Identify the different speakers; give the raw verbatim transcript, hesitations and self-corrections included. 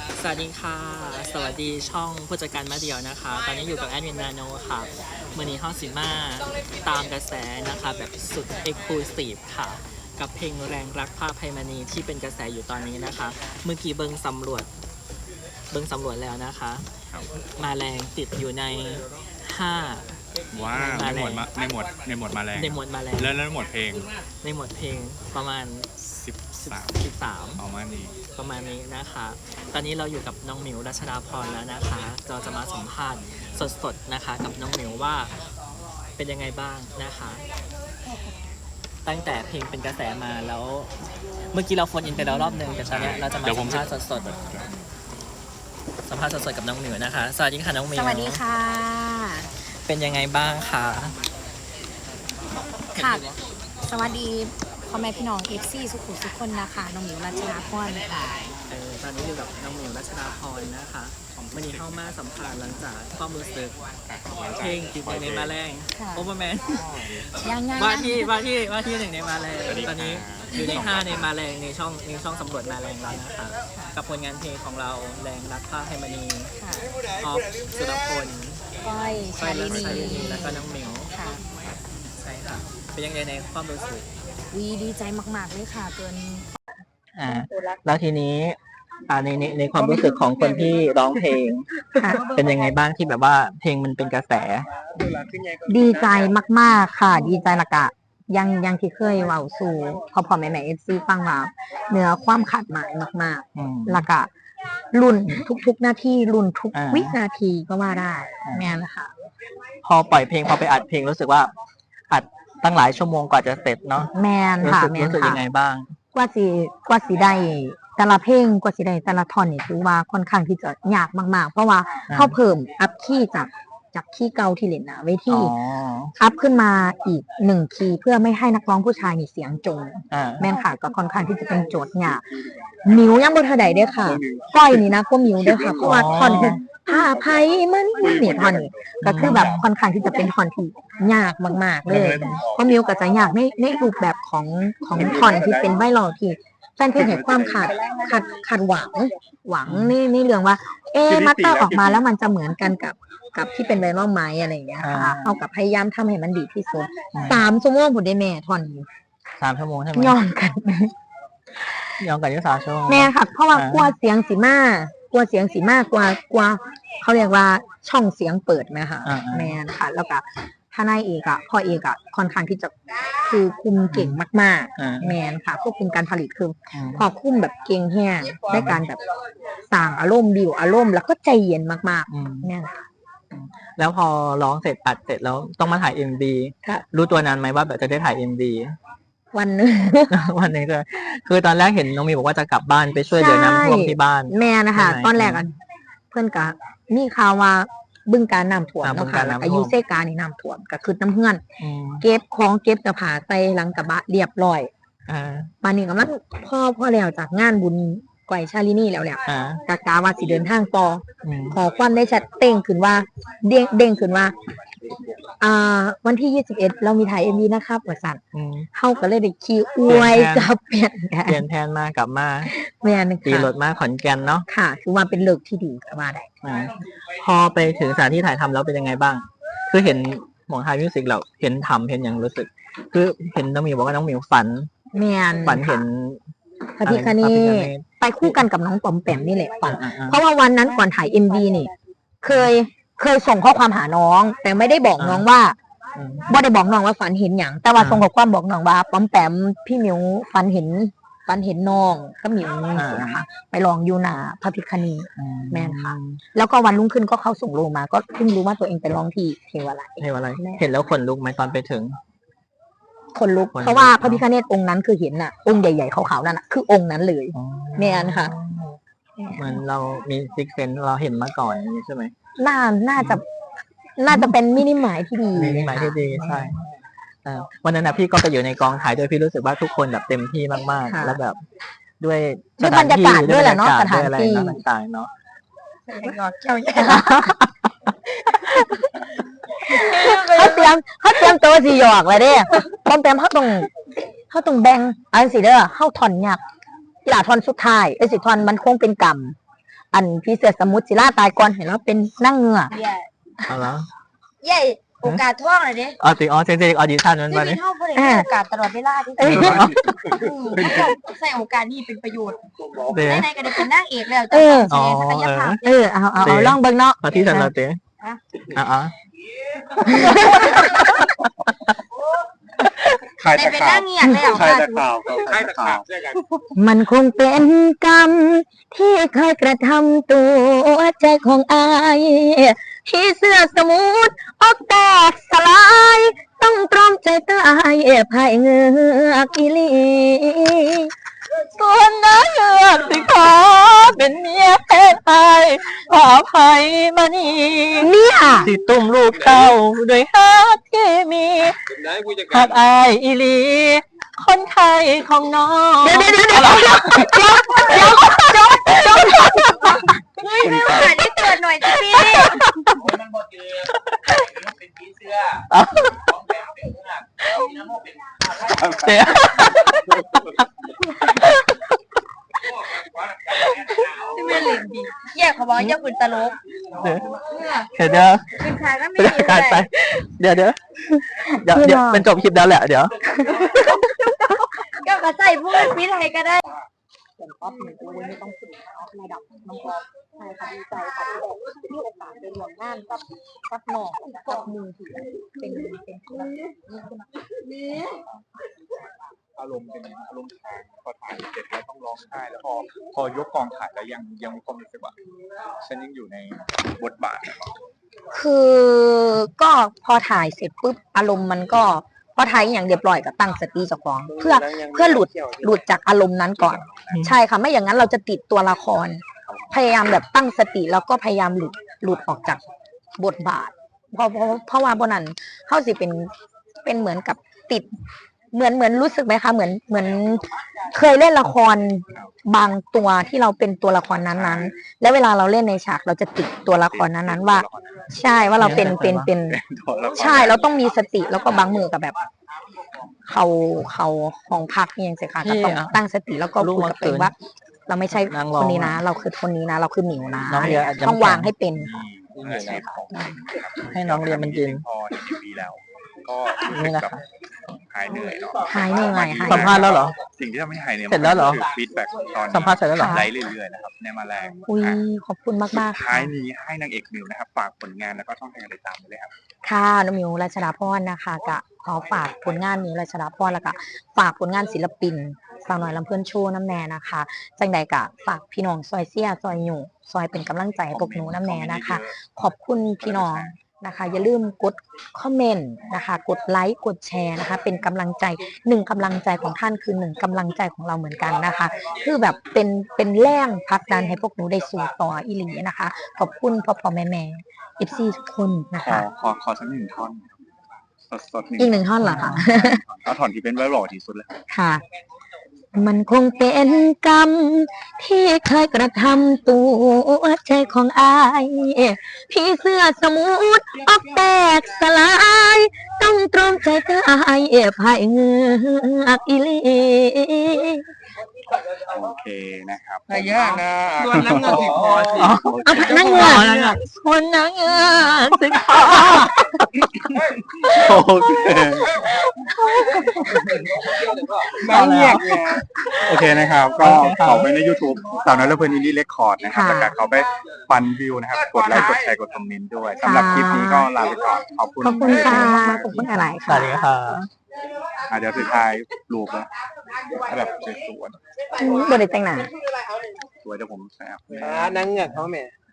Speaker 1: สวัสดีค่ะสวัสดีช่องผู้จัดการมาเดียวนะคะตอนนี้อยู่กับแอดมินนาโนค่ะมือนี้ห้องสิมาตามกระแสนะคะแบบสุดเอ็กซ์คลูซีฟค่ะกับเพลงแรงรักผ้าไพมณีที่เป็นกระแสอยู่ตอนนี้นะคะเมื่อกี้เบิ้งสำรวจเบิ้งสำรวจแล้วนะคะมาแรงติดอยู่ในห้า
Speaker 2: ว้าในหมวดมาในหมวดในหมวดมาแรง
Speaker 1: ในหมวดมาแรง
Speaker 2: แล้วแล้วหมวดเพลง
Speaker 1: ในหมวดเพลงประมาณ
Speaker 2: สิบสาม
Speaker 1: สิบสาม
Speaker 2: ประมาณนี้
Speaker 1: ประมาณนี้นะคะ ตอนนี้เราอยู่กับน้องหมิวรัชดาพรแล้วนะคะเราจะมาสัมภาษณ์สดๆนะคะกับน้องหมิวว่าเป็นยังไงบ้างนะคะ ตั้งแต่เพลงเป็นกระแสมาแล้ว เมื่อกี้เราโฟนอินไปแล้วรอบหนึ่งแต่ตอนนี้เราจะมาสัมภาษณ์สดๆสัมภาษณ์สดๆกับน้องหมิวนะคะสวัสดีค่ะน้องหมิว
Speaker 3: สวัสดีค่ะ
Speaker 1: เป็นยังไงบ้างคะ
Speaker 3: ค่ะสวัสดีพ่อแม่พี่น้องเอฟซีสุขุมทุกคนนะคะน้องหมิวรัชดาพรค่ะ
Speaker 1: เออตอนนี้อยู่กับน้องหมิวรัชดาพรนะคะวันนี้เข้ามาสัมภาษณ์หลังจากความรู้สึกเพลงติดในมาแรงโอเวอร์แมน
Speaker 3: ยังไง
Speaker 1: ว่าที่ว่าที่ว่าที่หนึ่งในมาแรงตอนนี้อยู่ในห้าในมาแรงในช่องในช่องสำรวจมาแรงแล้วนะคะกับผลงานเพลงของเราแรงรักผ้าไพมณีออฟสุรพล
Speaker 3: ก้อยชาลินี
Speaker 1: แล้วก็น้องหมิว
Speaker 3: ค่ะ
Speaker 1: ใช่ค่ะเป็นยังไงในความรู้สึก
Speaker 3: วีดีใจมากๆเลยค่ะเกิน
Speaker 1: อ่าแล้วทีนี้อ่าในในในความรู้สึกของคนที่ร้องเพลงเป็นยังไงบ้างที่แบบว่าเพลงมันเป็นกระแส
Speaker 3: ดีใจมากๆค่ะดีใจละกะยังยังที่เคยเว้าสู่พอพอแม่แม่เอฟซีฟังว่าเนื้อความขาดหมายมากๆละกะรุ่นทุกๆหน้าที่รุ่นทุกวินาทีก็ว่าได้แม่นะคะ
Speaker 1: พอปล่อยเพลงพอไปอัดเพลงรู้สึกว่าอัดตั้งหลายชั่วโมงกว่าจะเสร็จเนาะ
Speaker 3: แม่นค่ะ
Speaker 1: แม่นค่ะรู้สึกยังไงบ้าง
Speaker 3: กว่าสิกว่าสิได้แต่ละเพลงกว่าสิได้แต่ละท่อนนี่ถือว่าค่อนข้างที่จะยากมากๆเพราะว่าเขาเพิ่มอัพคีย์จากจากคีย์เก่าที่เล่นนะเวทีอัพขึ้นมาอีกหนึ่งคีย์เพื่อไม่ให้นักร้องผู้ชายมีเสียงจงแม่นค่ะก็ค่อนข้างที่จะเป็นโจทย์ยากมิวยังบ่ทันใดเด้อค่ะก้อยนี่นะก็มิวเด้อค่ะเพราะว่าท่อนผ้าไผ่มันนี่ท่อนนี้ก็คือแบบค่อนข้างที่จะเป็นท่อนที่ยากมากๆเลยเพราะมิวก็จะยากในในรูปแบบของของท่อนที่เป็นไวรัลที่แฟนเพลงเห็นความขาดขาดขาดหวังหวังนี่นี่เรื่องว่าเอ๊มัตเตอร์ออกมาแล้วมันจะเหมือนกันกับกับที่เป็นไวรัลไหมอะไรอย่างเงี้ยค่ะเอากับพยายามทำให้มันดีที่สุดสามชั่วโมงผมได้แม่ท่อน
Speaker 1: สามชั่วโมงใช่ไหม
Speaker 3: ย้อนกัน
Speaker 1: ย้อนกันยี่สามชั่วโมง
Speaker 3: แม่ค่ะเพราะว่ากลัวเสียงสีมากลัวเสียงสีมากกว่ากลัวเขาเรียกว่าช่องเสียงเปิดไหมคะแม่ค่ะแล้วก็ถ้านายเอกอะพ่อเอกอะค่อนข้างที่จะคือคุมเก่งมากๆแมนค่ะควบคุมการผลิตคือพอคุมแบบเก่งแห้งได้การแบบสั่งอารมณ์บิวอารมณ์แล้วก็ใจเย็นมากๆเนี่ยค่ะ
Speaker 1: แล้วพอร้องเสร็จอัดเสร็จแล้วต้องมาถ่ายเอ็มวีรู้ตัวนานไหมว่าแบบจะได้ถ่ายเอ็มวี
Speaker 3: วันนึง
Speaker 1: วันนึงเลยคือตอนแรกเห็นน้องมีบอกว่าจะกลับบ้านไปช่วยเหลือน้ำท่วมที่บ้าน
Speaker 3: แม่นะคะตอนแรกอ่ะเพื่อนกะมีข่าวว่าบึงการน้ำท่วมเนาะค่ะอายุเซกานี่น้ำท่วมก็คือน้ำเพื่อนเก็บของเก็บกระผาใส่หลังกระบะเรียบร้อยมานี่ก็มันพ่อพ่อแล้วจากงานบุญไกวชาลินีแล้วแหละกากาว่าสิเดินทางต่อขอความได้ชัดเต้งขึ้นว่าเด้งเด้งขึ้นว่าอ่าวันที่ยี่สิบเอ็ดเรามีถ่ายเอ็มวีนะครับว่าสั่นเข้าก็เลยได้คิวอวยกับเปลี่ยน
Speaker 1: เปลี่ยนแทนมากลับมา
Speaker 3: แม่น
Speaker 1: ตีรถมาขอนแก่นเนาะ
Speaker 3: ค่ะคือว่าเป็นเลิกที่ดีก็ว่าได้
Speaker 1: พอไปถึงสถานที่ถ่ายทำแล้วเป็นยังไงบ้างคือเห็นหมองไทยมิวสิกเราเห็นทำเห็นอย่างรู้สึกคือเห็นน้องมิวบอกว่าน้องมิวฝัน
Speaker 3: แม่น
Speaker 1: ฝันเห็น
Speaker 3: พระพิฆเนศไปคู่กันกับน้องปอมแปมนี่แหละฝันเพราะว่าวันนั้นก่อนถ่าย เอ็ม วี นี่เคยเคยส่งข้อความหาน้องแต่ไม่ได้บอกน้องว่าบ่ได้บอกน้องว่าฝันเห็นอย่างแต่ว่าส่งข้อความบอกน้องว่าปอมแปมพี่มิวฝันเห็นฝันเห็นน้องก็มิวนะคะไปลองอยู่หน้าพระพิฆเนศแม่นค่ะแล้วก็วันรุ่งขึ้นก็เข้าส่งโลมาก็เพิ่งรู้ว่าตัวเองไปร้องที่เทวาลัย
Speaker 1: เทวาลัยเห็นแล้วขนลุกไหมตอนไปถึง
Speaker 3: คนลุกเพราะว่าพระพิฆเนศองค์นั้นคือเห็นน่ะองค์ใหญ่ๆขาวๆนั่นน่ะคือองค์นั้นเลยแม่นค่ะ
Speaker 1: เหมือนเรามีซิกเซนเราเห็นมาก่อนใช่ไหม
Speaker 3: น่าน่าจะน่าจะเป็นมินิหมายที่ดี
Speaker 1: มินิหมายที่ดีใช่วันนั้นนะพี่ก็ไปอยู่ในกองถ่ายด้วยพี่รู้สึกว่าทุกคนแบบเต็มที่มากๆแล้วแบบด้วย
Speaker 3: บรรยากาศด้วยแหละเนาะสถานที่
Speaker 1: ต่างๆเนาะ
Speaker 3: เขาเตรียมเขาเตรียมตัวสีหยอกเลยเด้ปอมแปมเขาตรงเขาตรงแบ่งอันสีเด้อเขาถอนหยักกีฬาทอนสุดท้ายไอ้สิทอนมันคงเป็นกรรมอันพี่เสือสมุทรศิลาตายก่อนเห็นแล้วเป็นนั่งเงือก
Speaker 4: เย่
Speaker 1: เอาละ
Speaker 4: เย่โอกาสท่องเลยดิ
Speaker 1: อ๋อจริงอ๋อจริงจริงออดิชั่นมัน
Speaker 4: ที่
Speaker 1: มา
Speaker 4: มี
Speaker 1: เนี่ย
Speaker 4: เท่าเพื่อนให้โอกาสตลอดเวลาที่
Speaker 3: เออ
Speaker 4: ใส่โอกาสนี่เป็นประโยชน์
Speaker 1: เดี๋ยว
Speaker 4: ในๆก็ได้เป็นนางเอกแล้ว
Speaker 3: เออ
Speaker 4: จะแสดงศักยภาพ
Speaker 3: เออเอาเอาเอาลองเบิ่งเนาะ
Speaker 1: พอที่ฉันเราเต้
Speaker 4: ฮะ
Speaker 1: อ่ะอ่ะ
Speaker 2: ใคร
Speaker 4: ได้
Speaker 2: ตะ
Speaker 4: เป็น
Speaker 2: ขา
Speaker 4: นา
Speaker 2: บ
Speaker 4: งเงียบแล้ว
Speaker 2: ใคร
Speaker 4: ค่ะ
Speaker 2: ตะขาบใครตะขาบใช่กัน
Speaker 3: มันคงเป็นกรรมที่เคยกระทำตัวใจของอายที่เสื้อสมุทรออกแตกสลาย ต้องตรอมใจตายภายเงือกอีหลี
Speaker 1: ส่วนนั้นเลือกสิขอเป็นเมียแทนไอขออภัยมานี่
Speaker 3: เนี่ย
Speaker 1: สิตุ้มลูกเต้าด้วยฮักที่มีฮักอายอีหลี คนไทยของน้อง
Speaker 3: เดี๋ยวเดี๋ยวเดี๋ยวเดี๋ยวเดี๋ยวเดี๋ยวเดี๋ยวเดี๋ยวเดี๋ยว
Speaker 4: เฮ้ยไม่โอกาสได้เกิดหน่อยสิพี่
Speaker 5: มันบ่เจอเป็นผีเสื้อของแถมเป็นเนื้อมีน้ำมันเป็นข้าวไร่
Speaker 1: เดี๋ยว
Speaker 4: ที่ไม่เล่นดีแย่เขาบอกอย่าคุณตลก
Speaker 1: เดี๋ยวเดี๋ยว
Speaker 4: คุณชายก็ไม่
Speaker 1: เป็น
Speaker 4: ดี
Speaker 1: การ
Speaker 4: เล
Speaker 1: ไป
Speaker 4: ย
Speaker 1: เดี๋ยวเดี๋ยวเดี๋ยวเดี๋ยวเป็นจบคลิปแล้วแหละเดี๋ยว
Speaker 4: ก็กระใส่พูดพิไทยก็ได้
Speaker 3: ผมก็เป็นตัวไม่ต้องฝึกระดับน้องออฟใช่ค่ะดีใจค่ะที่ได้มีโอกาสไปร่วมงานกับกับน้องกับมือถือเป็นเป็นธุรกิจนี่คือ
Speaker 2: อารมณ์เป็นอารมณ์ทางพอถ่ายเสร็จแล้วต้องร้องไห้แล้วพอพอยกกองถ่ายแล้วยังยังมีความรู้สึกว่าฉันยังอยู่ในบทบาท
Speaker 3: คือก็พอถ่ายเสร็จปุ๊บอารมณ์มันก็พอถ่ายอย่างเรียบร้อยก็ตั้งสติเจ้าของเพื่อเพื่อหลุดหลุดจากอารมณ์นั้นก่อน ใช่ค่ะไม่อย่างนั้นเราจะติดตัวละคร พยายามแบบตั้งสติแล้วก็พยายามหลุดหลุดออกจากบทบาท เพราะเพราะเพราะว่าบนนั้นเขาสิเป็นเป็นเหมือนกับติด เหมือนเหมือนรู้สึกไหมคะเหมือนเหมือนเคยเล่นละครบางตัวที่เราเป็นตัวละครนั้นๆ แล้วเวลาเราเล่นในฉากเราจะติดตัวละครนั้นๆว่า ใช่ว่าเราเป็นเป็นเป็น ใช่เราต้องมีสติแล้วก็บางมือกับแบบ เขาเขาของพักเนี่ยสิค่ะก็ต้องตั้งสติแล้วก็พูดกับตัวเองว่า เราไม่ใช่คนนี้นะ เราคือคนนี้นะ เราคือหมิวนะต้องวางให้เป็น
Speaker 2: อาชีพของ
Speaker 1: ให้น้องเรียนมันจริง
Speaker 2: พอเห็นทีวีแล้ว ก็
Speaker 1: นี่นะคะ
Speaker 2: หายเหนื่อยเนาะ
Speaker 3: หายเหนื่อยหาย
Speaker 1: สัมภาษณ์แล้วเหรอ
Speaker 2: สิ่งที่ทำให้หายเหนื่อย
Speaker 1: เสร็จแล้วเหรอ
Speaker 2: คือฟีดแบ็กตอน
Speaker 1: สัมภาษณ์เสร็จแล้วเหรอ
Speaker 2: ไลฟ์เรื่อยๆนะครับในมาแรง
Speaker 3: อุ้ยขอบคุณมากมาก
Speaker 2: ท้ายนี้ให้นางเอกมิวนะครับฝากผลงานแล้วก็ช่องทางการติดตามไปเลยครับ
Speaker 3: ค่ะน้องมิวรัชดาพรนะคะกะขอฝากผลงานมิวรัชดาพรแล้วก็ฝากผลงานศิลปินสาวน้อยลำเพื่อนโชว์น้ำแน่นะคะจังใดกะฝากพี่น้องซอยเสียซอยหยู่ซอยเป็นกำลังใจให้พวกหนูน้ำแน่นะคะ ขอบคุณพี่น้องนะคะ อย่าลืมกดคอมเมนต์นะคะ กดไลค์กดแชร์นะคะ เป็นกำลังใจหนึ่งกำลังใจของท่านคือหนึ่งกำลังใจของเราเหมือนกันนะคะ คือแบบเป็นเป็นแรงผลักดันให้พวกหนูได้สู่ต่ออีหลีนะคะ ขอบคุณพ่อพ่อแม่แม่เอฟซีทุกคนนะ
Speaker 2: ขอ
Speaker 3: คะ
Speaker 2: ขอขอสักหนึ่งท่อนสดสดๆ
Speaker 3: อีกหนึ่งท่อนเหรอคะ
Speaker 2: เอาท่อนที่เป็นไวรัลที่สุดเลย
Speaker 3: ค่ะ มันคงเป็นกรรมที่เคยกระทำตัวใจของอายพี่เสื้อสมุทรออกแตกสลาย ต้องตรอมใจตายภายเงือกอีหลี
Speaker 2: โอเคนะครับ
Speaker 5: เยอะนะ
Speaker 2: ส่วนน้ำเงินสิพอสิ
Speaker 3: เอาผักนั่งเงือก
Speaker 1: คนนังเงือกสิขอ
Speaker 2: โอเคน้ำเงียบโอเคนะครับ ก็เขาไปใน YouTube สาวน้อยและเพื่อนอินดี้เรคคอร์ดนะครับแล้วก็เขาไปฟันวิวนะครับ กดไลค์กดแชร์กดคอมเมนต์ด้วยสำหรับคลิปนี้ก็ลาไปก่อน ขอบคุณ
Speaker 3: ขอบคุณค่ะขอบคุณอะไร
Speaker 1: ส
Speaker 3: ค่ะ
Speaker 1: วัสดีค่ะ
Speaker 2: อ่ะเดี๋ยวสุดท้ายรูปนะแบบสวย
Speaker 3: อืมบริแต่งหนา
Speaker 2: ๆสวยเดี๋ยวผมแซว
Speaker 5: นั่งเงือกเขาแม่